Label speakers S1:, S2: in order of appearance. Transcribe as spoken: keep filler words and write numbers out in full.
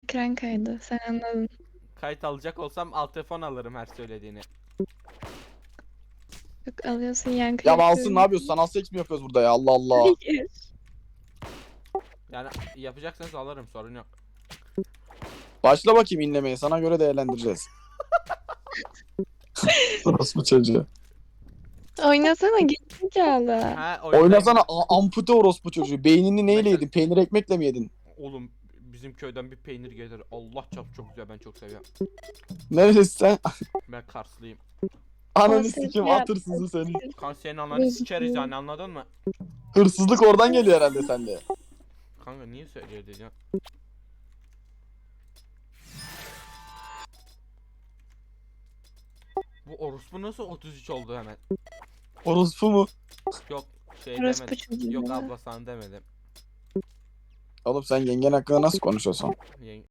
S1: Ekran kaydı. Sen anladın.
S2: Kayıt alacak olsam alt telefon alırım her söylediğini.
S1: Yok alıyorsun yankı
S3: Ya Malsın ne
S1: yapıyorum.
S3: yapıyorsun? Sanal seks mi yapıyoruz burada ya? Allah Allah.
S1: Hayır.
S2: Yani yapacaksanız alırım, sorun yok.
S3: Başla bakayım inlemeye. Sana göre değerlendireceğiz. Orospu çocuğu.
S1: Oynasana gerizekalı.
S2: Ha, oynayayım.
S3: Oynasana a- ampute orospu çocuğu. Beynini neyle
S2: Mesela-
S3: yedin? Peynir ekmekle mi yedin?
S2: Oğlum bizim köyden bir peynir gelir. Allah çarpı çok güzel, ben çok seviyorum.
S3: Neresi sen?
S2: Ben Karslıyım.
S3: Ananı
S1: Konsept
S3: sikim
S1: yap.
S3: at hırsızı seni.
S2: Kan senin ananı sikeriz yani, anladın mı?
S3: Hırsızlık oradan geliyor herhalde sende.
S2: Kanka niye söylüyor ya? Bu orospu nasıl otuz üç oldu hemen?
S3: Orospu mu?
S2: Yok şey
S1: Orospu
S2: demedim.
S1: çocuğu
S2: Yok
S1: ya.
S2: abla sana demedim.
S3: Oğlum sen yengen hakkında nasıl konuşuyorsun?
S2: Yenge...